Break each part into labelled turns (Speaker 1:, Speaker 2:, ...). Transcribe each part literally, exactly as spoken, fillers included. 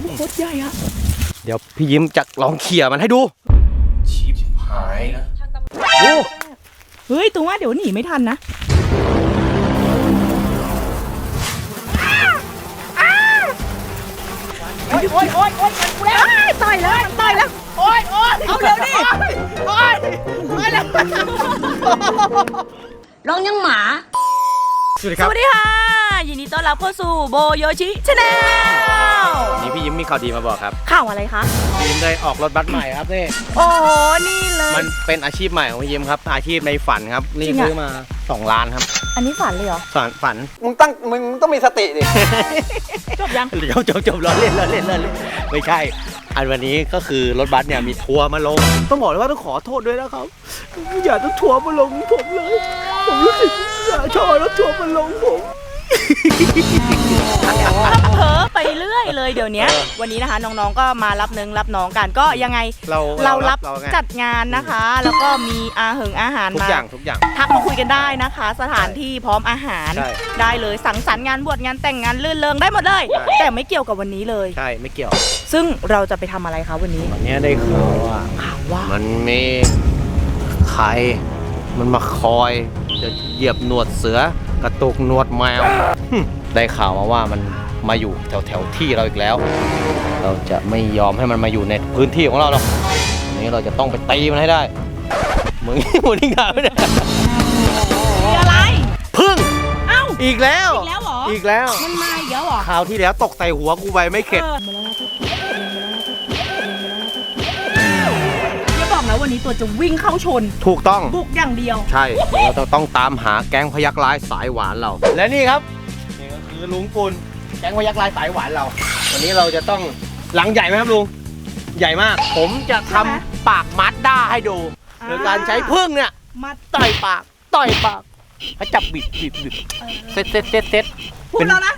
Speaker 1: โคตรใหญ่อะ
Speaker 2: เดี๋ยวพี่ยิ้มจะลองเขี่ยมันให้ดูชีพหายนะโอ้
Speaker 1: เฮ้ยตัวว่าเดี๋ยวหนีไม่ทันนะโอ๊ยโอ๊ยโอ๊ยโอ๊ยกูแล้วต่อยแล้วต่อยแล้วโอ๊ยโอ๊ยเอาเร็วดิโอ๊ยโอ๊ยแล้วร้องยังหมา
Speaker 2: สวัสดีครับ
Speaker 1: สวัสดีค่ะยินดีต้อนรับเข้าสู่โบโยชิชาแนล
Speaker 2: นี่พี่ยิ้มมีข่าวดีมาบอกครับ
Speaker 1: ข่าวอะไรคะ
Speaker 2: พี่ยิ้มได้ออกรถบัสใหม่ครับนี่
Speaker 1: โอ้โหนี่เลย
Speaker 2: มันเป็นอาชีพใหม่ของพี่ยิ้มครับอาชีพในฝันครับนี่ซื้อมาสองล้านครับ
Speaker 1: อันนี้ฝันเลยเหรอ
Speaker 2: ฝันฝันมึงตั้งมึงต้องมีสติดิ
Speaker 1: จบยัง
Speaker 2: เดี๋ยวจบจบล้อเล่นล้อเล่นล้อเล่นไม่ใช่อันวันนี้ก็คือรถบัสเนี่ยมีทัวร์มาลงต้องบอกเลยว่าต้องขอโทษด้วยนะครับอย่าต้องทัวร์มาลงผมเลยผมรู้สึกอย่าชอบรถทัวร์มาลงผม
Speaker 1: เผลอไปเรื่อยเลยเดี๋ยวนี้วันนี้นะคะน้องๆก็มารับนึงรับน้องกันก็ยังไง
Speaker 2: เรา
Speaker 1: เรารับจัดงานนะคะแล้วก็มีอาหงอาหาร
Speaker 2: ทุกอย่างทุกอย่าง
Speaker 1: ทักมาคุยกันได้นะคะสถานที่พร้อมอาหารได้เลยสังสรรค์งานบวชงานแต่งงานลื่นเริงได้หมดเลยแต่ไม่เกี่ยวกับวันนี้เลย
Speaker 2: ใช่ไม่เกี่ยว
Speaker 1: ซึ่งเราจะไปทำอะไรคะวันนี้
Speaker 2: วันนี้ได้ข่าวว่า
Speaker 1: ข่าวว่า
Speaker 2: มันมีใครมันมาคอยจะเหยียบหนวดเสือกระตุกหนวดแมวได้ข่าวมาว่ามันมาอยู่แถวแถวที่เราอีกแล้วเราจะไม่ยอมให้มันมาอยู่ในพื้นที่ของเราหรอกวันนี้เราจะต้องไปตีมันให้ได้มึงมึงนี่ข่าวไม่ได้
Speaker 1: มีอะไร
Speaker 2: พึ่ง
Speaker 1: เอ้า
Speaker 2: อีกแล้ว
Speaker 1: อีกแล้วเหรอ
Speaker 2: อีกแล้ว
Speaker 1: มันมาอีกแล้วเหรอ
Speaker 2: ข่าวที่แล้วตกใส่หัวกูไปไม่เข็ด
Speaker 1: แล้ววันนี้ตัวจะวิ่งเข้าชน
Speaker 2: ถูกต้อง
Speaker 1: บุกอย่างเดียว
Speaker 2: ใช่เราจะต้องตามหาแก๊งพยักร้ายสายหวานเราและนี่ครับนี่ก็คือลุงปุณแก๊งพยักร้ายสายหวานเราวันนี้เราจะต้องหลังใหญ่ไหมครับลุงใหญ่มากผมจะทำปากมัดด้าให้ดูโดยการใช้พึ่งเนี่ย
Speaker 1: มัด
Speaker 2: ต่อยปากต่อยปากให้จับบิดบิดบิดเซ็ตเซ็ตเซ็ตเซ็ต
Speaker 1: พูดแล้วนะ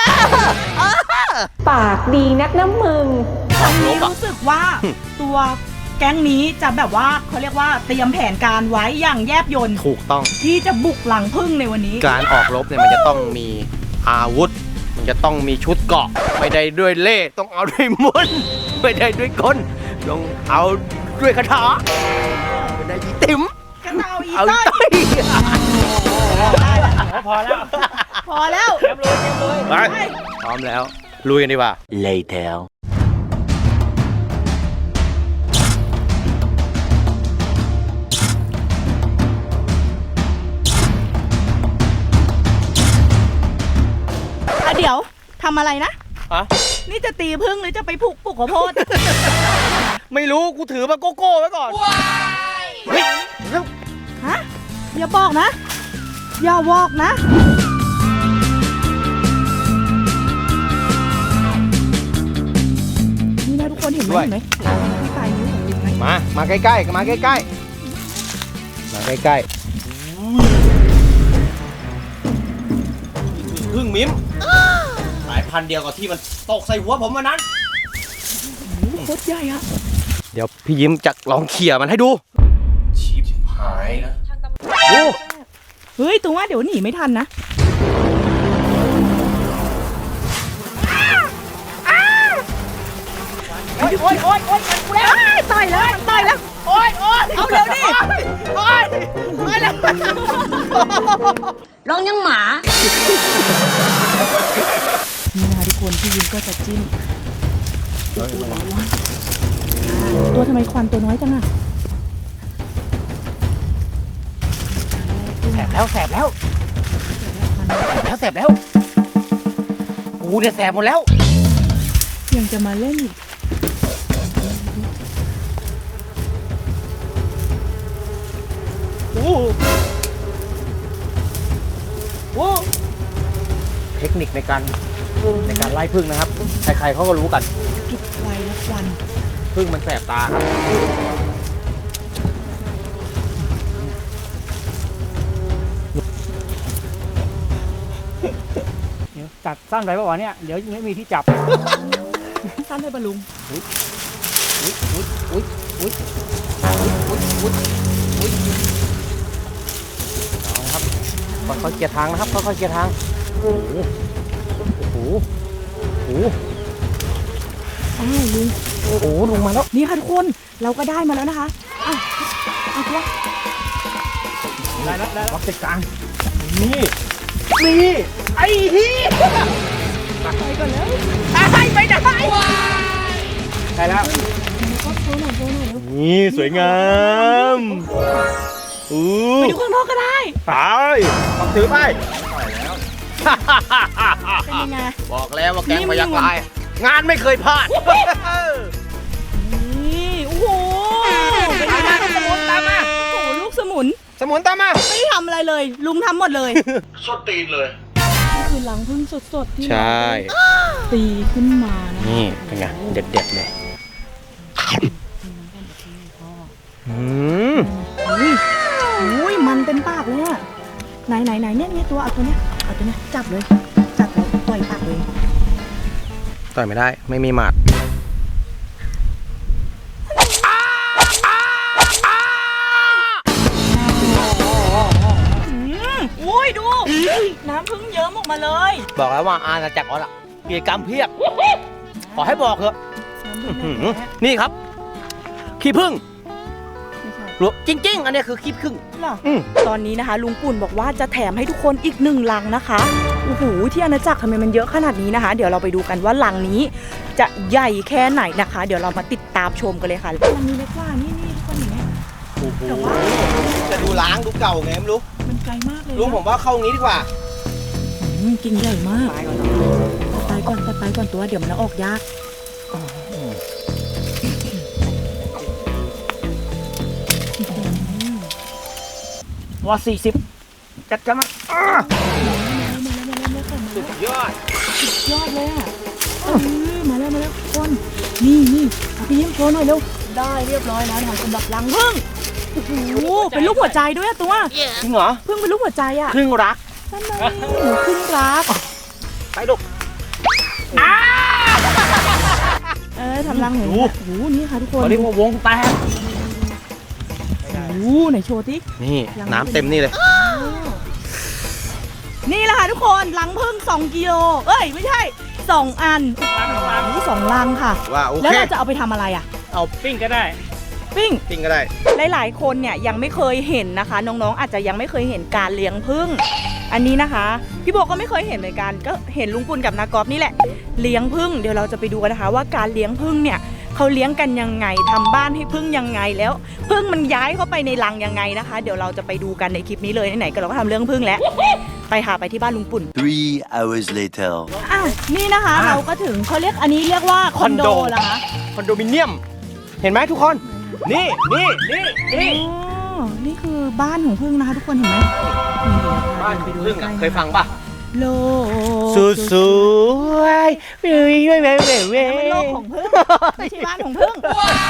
Speaker 3: ปากดีนักน้ำมึง
Speaker 1: ตอนนี้รู้สึกว่าตัวแก๊งนี้จะแบบว่าเขาเรียกว่าเตรียมแผนการไว้อย่างแยบยล
Speaker 2: ถูกต้อง
Speaker 1: ที่จะบุกหลังพึ่งในวันนี้
Speaker 2: การออกรบเนี่ยมันจะต้องมีอาวุธมันจะต้องมีชุดเกราะไม่ได้ด้วยเล่ต้องเอาด้วยมนไม่ได้ด้วยกลต้องเอาด้วยคาถาไม่ได้ยีติ๋ม
Speaker 1: กันเอาอีต้อย
Speaker 2: พอแล้ว
Speaker 1: พอแล้ว
Speaker 2: เตรียมลุยเตรียมลุยไปพร้อมแล้วลุยกันดีกว่า Later
Speaker 1: เดี๋ยวทำอะไรนะ
Speaker 2: ฮะ
Speaker 1: นี่จะตีพึ่งหรือจะไปผูกปลูกข้าวโพด
Speaker 2: ไม่รู้กูถือมาโกโก้ไว้ก่อนเฮ้ย
Speaker 1: ฮะอย่าบอกนะอย่าบอกนะนี่นะทุกคนเห็นไหมเห็นไหมที่ปลายนิ้วของลิงไหม
Speaker 2: มามาใกล้ๆมาใกล้ๆมาใกล้ๆพึ่งมิ้มสายพันธุ์เดียวกับที่มันตกใส่หัวผมวันนั้น
Speaker 1: โคตรใหญ่อะ
Speaker 2: เดี๋ยวพี่ยิ้มจะลองเขี่ยมันให้ดูชีพหายนะโอ้
Speaker 1: เฮ้ยตัวว่าเดี๋ยวหนีไม่ทันนะโอ๊ยโอ๊ยโอ๊ยโอ๊ยกูแล้วต่อยแล้วต่อยแล้วโอ๊ยโอ๊ยเอาเร็วดิโอ๊ยโอ๊ยแล้วร้องยังหมานี่นะทุกคนพี่ยิ้มก็จะจิ้มตัวทำไมควันตัวน้อยจังอะ
Speaker 2: แสบแล้วแสบแล้วแล้วแสบแล้วกูเนี่ยแสบหมดแล้ว
Speaker 1: ยังจะมาเล่นอีก
Speaker 2: โอ้โหเทคนิคในการในการไล่ผึ้งนะครับใครๆเขาก็รู้กัน
Speaker 1: จุดไฟและควัน
Speaker 2: ผึ้งมันแสบตาครับ
Speaker 4: จัดสั้นไปป่าวะเนี่ยเดี๋ยวไม่มีที่จับ
Speaker 1: สั้นเลยบรรลุง
Speaker 2: อุ้ยอุ้ยอุ้ยอุ้ยอุ้ยอุ้ยอุ้ยเอาครับค่อยๆเกียร์ทางนะครับค่อยๆเกียร์ทางโอ้โหโอ้โหโอ้โห
Speaker 1: อ้าวลุง
Speaker 2: โอ้โหลุงมาแล้ว
Speaker 1: นี่ค่ะทุกคนเราก็ได้มาแล้วนะคะอ้าวเอาตัว
Speaker 4: ได้แล้วได้แล้ว
Speaker 2: รับจัดการนี่นี่ไอ้เหี้ย
Speaker 1: ไปก่อนแล้วไปไปไหน
Speaker 4: ได้แล้ว
Speaker 1: ก็โชว์หน่อยโชว์หน่อย
Speaker 2: นี่สวยงามอู้
Speaker 1: ไปดูข้างนอกก็ได้
Speaker 2: ไปต้องถือไป
Speaker 1: เป็นยังไง
Speaker 2: บอกแล้วว่าแกงพยักลายงานไม่เคยพลาด
Speaker 1: นี่โอ้โหเป็นยังไง
Speaker 2: สมุนตามมา
Speaker 1: โอ้โหลูกสมุน
Speaker 2: สมุนตามมา
Speaker 1: ไม่ได้ทำอะไรเลย ลุงทำหมดเลย
Speaker 2: สดตีนเลย
Speaker 1: นี่คือรังพึ่งสดๆที่
Speaker 2: ใช่
Speaker 1: เราตีขึ้นมานะ
Speaker 2: นี่เป็นไงเด็ดเด็ดๆเลยอืม
Speaker 1: อุ้ยอุ้ยมันเต็มปากเลยอะไหนไหนไหนเนี่ยเนี่ยตัวเอาตัวเนี้ยเอาตัวเนี้ยจับเลยจับแล้วปล่อยปากเลย
Speaker 2: ต่อยไม่ได้ไม่มีหมัด
Speaker 1: อืมอุ้ยดูน้ำพึ่งเยิ้มออกมาเลย
Speaker 2: บอกแล้วว่าอาณาจักรออสอะกิจกรรมเพียบ ขอให้บอกเถอะ
Speaker 1: น้ำพึ่ง
Speaker 2: อื้อ
Speaker 1: แท้
Speaker 2: หือนี่ครับ ขี้ผึ้ง
Speaker 1: ๆไม่ใช่
Speaker 2: หรือจริง ๆ อันนี้คือขี้ผึ้ง
Speaker 1: เหรอ
Speaker 2: อืม
Speaker 1: ตอนนี้นะคะ ลุงปุ่นบอกว่าจะแถมให้ทุกคนอีกหนึ่งลังนะคะโอ้โหที่อาณาจักรทำไมมันเยอะขนาดนี้นะคะ เดี๋ยวเราไปดูกันว่าลังนี้ จะใหญ่แค่ไหนนะคะ เดี๋ยวเรามาติดตามชมกันเลยค่ะลังนี้เล็กกว่านี่นี่ทุกคนเห็นไหม
Speaker 2: โอ้โห
Speaker 1: แต่ว่า
Speaker 2: จะดูล้างดูเก่าไงไม่รู้
Speaker 1: มันไกลมากเลยนะ
Speaker 2: ลุงผมว่าเข้างี้ดีกว่า
Speaker 1: อืมกิ่งใหญ่มากไปก่อนไปไปก่อนตัวเดี๋ยวมันออกยากอืม
Speaker 4: ว่าสี่สิบจัดกันมาอ้า
Speaker 2: สุดยอด
Speaker 1: ยอดเลยอ่ะเออมาแล้วมาแล้วทุกคนนี่นี่เอาไปเยี่ยมโชว์หน่อยเร็วได้เรียบร้อยแล้วนะคะสำหรับรังพึ่งโอ้โหเป็นลูกหัวใจด้วยอะตัว
Speaker 2: จริงเหรอ
Speaker 1: พึ่งเป็นลูกหัวใจอ่ะ
Speaker 2: ครึ่งรัก
Speaker 1: นั่นไงพึ่งรัก
Speaker 2: ไปลูก
Speaker 1: เออทำรังเหมือน
Speaker 2: ดู
Speaker 1: โอ้โหนี่ค่ะทุกคน
Speaker 4: เขาเรียกว่าวงแตก
Speaker 1: โอ้โหไหนโชว์ทิ
Speaker 2: นี่น้ำเต็มนี่เลย
Speaker 1: นี่แหละค่ะทุกคนรังพึ่งสองกิโลเอ้ยไม่ใช่สองอัน
Speaker 4: ล้างล้าง
Speaker 1: โอ้โหสองรังค่ะ
Speaker 2: ว่าโอ
Speaker 1: แล้ว
Speaker 2: เค
Speaker 1: เราจะเอาไปทำอะไรอ่ะ
Speaker 4: เอาปิ้งก็ได้
Speaker 1: ปิ้ง
Speaker 2: ปิ้งก็ได้
Speaker 1: หลายๆคนเนี่ยยังไม่เคยเห็นนะคะ น้องๆอาจจะยังไม่เคยเห็นการเลี้ยงผึ้งอันนี้นะคะพี่โบก็ไม่เคยเห็นเหมือนกันก็เห็นลุงปุณกับนากอบนี่แหละเลี้ยงผึ้งเดี๋ยวเราจะไปดูกันนะคะ ว่าการเลี้ยงผึ้งเนี่ยเขาเลี้ยงกันยังไงทำบ้านให้ผึ้งยังไงแล้วผึ้งมันย้ายเข้าไปในรังยังไงนะคะ เดี๋ยวเราจะไปดูกันในคลิปนี้เลยไหนๆก็เราก็ทำเรื่องผึ้งแล้วไปหาไปที่บ้านลุงปุ่น
Speaker 5: Three hours later.
Speaker 1: อ่ะนี่นะคะ เราก็ถึงเขาเรียกอันนี้เรียกว่าคอนโดเหรอคะ
Speaker 2: คอนโดมิเนียม เห็นไหมทุกคน นี่นี่นี่นี่
Speaker 1: อ๋อนี่คือบ้านของผึ้งนะคะทุกคนเห็นไหมนี่นะคะ
Speaker 2: บ้าน
Speaker 1: ไปดู
Speaker 2: พึ่ง
Speaker 1: ใก
Speaker 2: อ่ะ
Speaker 1: ล้ๆ
Speaker 2: เคยฟังป่ะ
Speaker 1: โลก
Speaker 2: สุดสวยเว้ยเว้ยเว้ยเว้ยเว้
Speaker 1: มัน
Speaker 2: ย
Speaker 1: โลกของผึ้งไม่ใช่บ้านของผึ้ง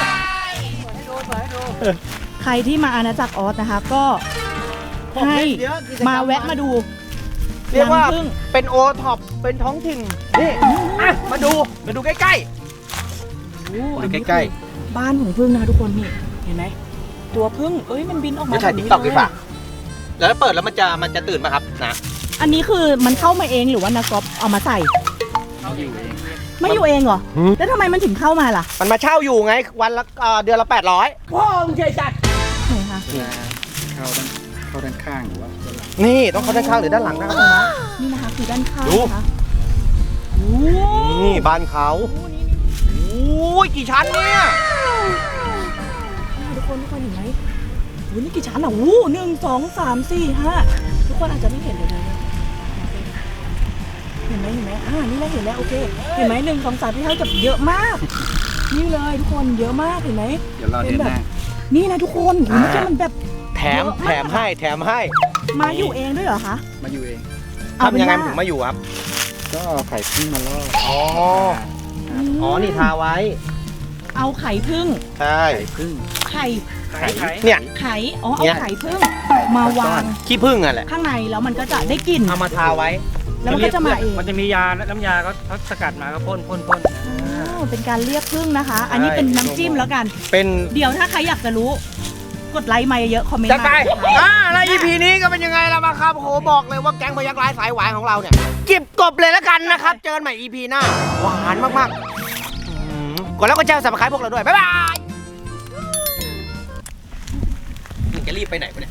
Speaker 1: ใครที่มาอาณาจักรออสนะคะ ก็ให้มาแวะมาดู
Speaker 2: เรียกว่า
Speaker 1: รังผึ้ง
Speaker 2: เป็นโอท็อปเป็นท้องถิ่น นี่อ่ะมาดู มาดูใกล้
Speaker 1: โอ้
Speaker 2: ๆ
Speaker 1: อัน
Speaker 2: ดู
Speaker 1: นี้
Speaker 2: ใกล้
Speaker 1: คือบ้านของผึ้งนะคะทุกคนนี่เห็นไหมตัวผึ้งเอ้ยมันบินออก
Speaker 2: ๆ
Speaker 1: มา
Speaker 2: จะถ่าย
Speaker 1: แบบ
Speaker 2: ติ๊ก
Speaker 1: นี้
Speaker 2: ต็อกดีกว่า
Speaker 1: เลย
Speaker 2: แล้วเปิดแล้วมันจะมันจะตื่นป่ะครับนะ
Speaker 1: อันนี้คือมันเข้ามาเองหรือว่านากอบเอามาใส่
Speaker 4: เอาอยู่เอง
Speaker 1: ไม่อยู่เองเหรอแล้วทำไมมันถึงเข้ามาล่ะ
Speaker 2: มันมาเช่าอยู่ไง วันละเอ่อเดือนละแปดร้อย
Speaker 4: พ่อมึงใจจัด
Speaker 1: ไหนคะ
Speaker 6: เข้าด้านเข้าด้านข้างหรือว่าด้านหลัง
Speaker 2: นี่ต้องเข้าด้านข้างหรือด้านหลังนะครับ
Speaker 1: นี่นะคะคือด้านข้าง
Speaker 2: ดู
Speaker 1: นะคะโอ้
Speaker 2: นี่บ้านเขา
Speaker 1: โหนี่นี่
Speaker 2: โอ้ยกี่ชั้นเนี่ย
Speaker 1: นี่ทุกคนทุกคนเห็นไหมโอ้ยนี่กี่ชั้นอ่ะโอ้หนึ่งสองสามสี่ห้าทุกคนอาจจะไม่เห็นเลยนะเห็นไหมเห็นไหมอ่านี่เราเห็นแล้วโอเคเห็นไหมหนึ่งสองสามที่เท่ากับเยอะมาก นี่เลยทุกคนเยอะมากเห็นไหม
Speaker 6: เดี๋ยวเราเดินหน้า
Speaker 1: นี่นะทุกคนโอ้ยเมื่อกี้มันแบบ
Speaker 2: แถมแถมให้แถมให้
Speaker 1: มาอยู่เองด้วยเหรอคะ
Speaker 6: มาอยู่เอง
Speaker 1: เอาเป็น
Speaker 2: ทำยังไง
Speaker 1: ว่า
Speaker 2: มันถึงมาอยู่ครับ
Speaker 6: ก็เอาไข่พึ่งมาล่อ
Speaker 2: อ๋อ อ๋อ นี่ทาไว้
Speaker 1: เอาไข่พึ่ง
Speaker 2: ใช่
Speaker 6: ไข่พึ่ง
Speaker 1: ไข่
Speaker 4: ไข่ไข่
Speaker 2: เนี่ย
Speaker 1: ไข่อ๋อเอา
Speaker 2: เนี่ย
Speaker 1: ไข่พึ่งมาวาง
Speaker 2: ขี้ผึ้งอ่ะแหละ
Speaker 1: ข้างในแล้วมันก็จะได้กลิ่น
Speaker 2: เอามาทาไว้
Speaker 1: แล้วมันก็จะมาเอง
Speaker 4: มันจะมียาน้ำยาก็เขาสกัดมาก็พ่นพ่นพ่น
Speaker 1: อ๋อเป็นการเรียกพึ่งนะคะ อันนี้เป็นน้ำจิ้มแล้วกัน
Speaker 2: เป็น
Speaker 1: เดี๋ยวถ้าใครอยากจะรู้ กดไลค์มาเยอะๆคอมเมนต์
Speaker 2: จะ
Speaker 1: มา
Speaker 2: ไป
Speaker 1: นะคะ
Speaker 2: อ่าแล้ว อี พี นี้ก็เป็นยังไงล่ะมาครับโอ้โหบอกเลยว่าแก๊งพยักร้ายสายหวานของเราเนี่ยจิบกบเลยแล้วกันนะครับ เจอกันใหม่ อี พี หน้า หวานมากๆอืมกดแล้วก็แชร์สับสไครต์พวกเราด้วย บ๊ายบายมึงจะรีบไปไหนวะเนี่ย